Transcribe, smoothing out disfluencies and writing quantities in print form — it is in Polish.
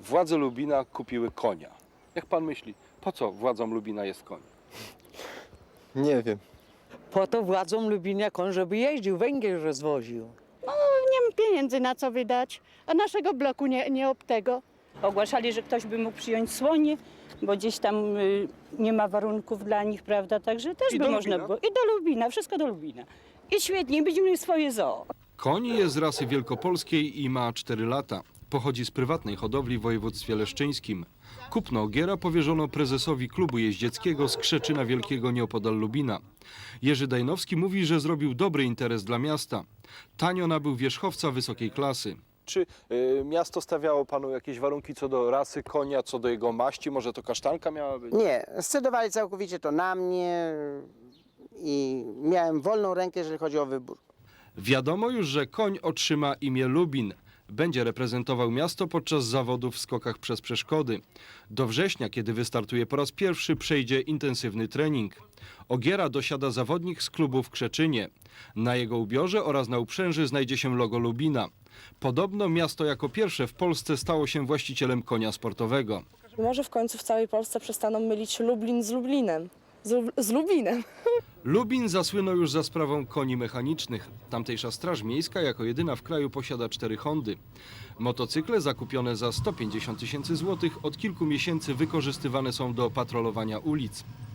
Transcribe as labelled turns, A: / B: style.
A: Władze Lubina kupiły konia. Jak pan myśli, po co władzom Lubina jest koń?
B: Nie wiem.
C: Po to władzom Lubinia koń, żeby jeździł, węgiel rozwoził.
D: Nie mam pieniędzy na co wydać, a naszego bloku nie ob tego.
E: Ogłaszali, że ktoś by mógł przyjąć słonie, bo gdzieś tam nie ma warunków dla nich, prawda? Także też
A: I
E: by
A: do
E: można
A: Lubina?
E: było. I do Lubina, wszystko do Lubina. I świetnie, będziemy mieli swoje zoo.
A: Koń jest z rasy wielkopolskiej i ma 4 lata. Pochodzi z prywatnej hodowli w województwie leszczyńskim. Kupno ogiera powierzono prezesowi klubu jeździeckiego z Krzeczyna Wielkiego nieopodal Lubina. Jerzy Dajnowski mówi, że zrobił dobry interes dla miasta. Tanio nabył wierzchowca wysokiej klasy. Czy miasto stawiało panu jakieś warunki co do rasy konia, co do jego maści? Może to kasztanka miała być?
F: Nie, scedowali całkowicie to na mnie i miałem wolną rękę, jeżeli chodzi o wybór.
A: Wiadomo już, że koń otrzyma imię Lubin. Będzie reprezentował miasto podczas zawodów w skokach przez przeszkody. Do września, kiedy wystartuje po raz pierwszy, przejdzie intensywny trening. Ogiera dosiada zawodnik z klubu w Krzeczynie. Na jego ubiorze oraz na uprzęży znajdzie się logo Lubina. Podobno miasto jako pierwsze w Polsce stało się właścicielem konia sportowego.
G: Może w końcu w całej Polsce przestaną mylić Lublin z Lublinem. Z Lubinem.
A: Lubin zasłynął już za sprawą koni mechanicznych. Tamtejsza Straż Miejska jako jedyna w kraju posiada 4 Hondy. Motocykle zakupione za 150 000 złotych od kilku miesięcy wykorzystywane są do patrolowania ulic.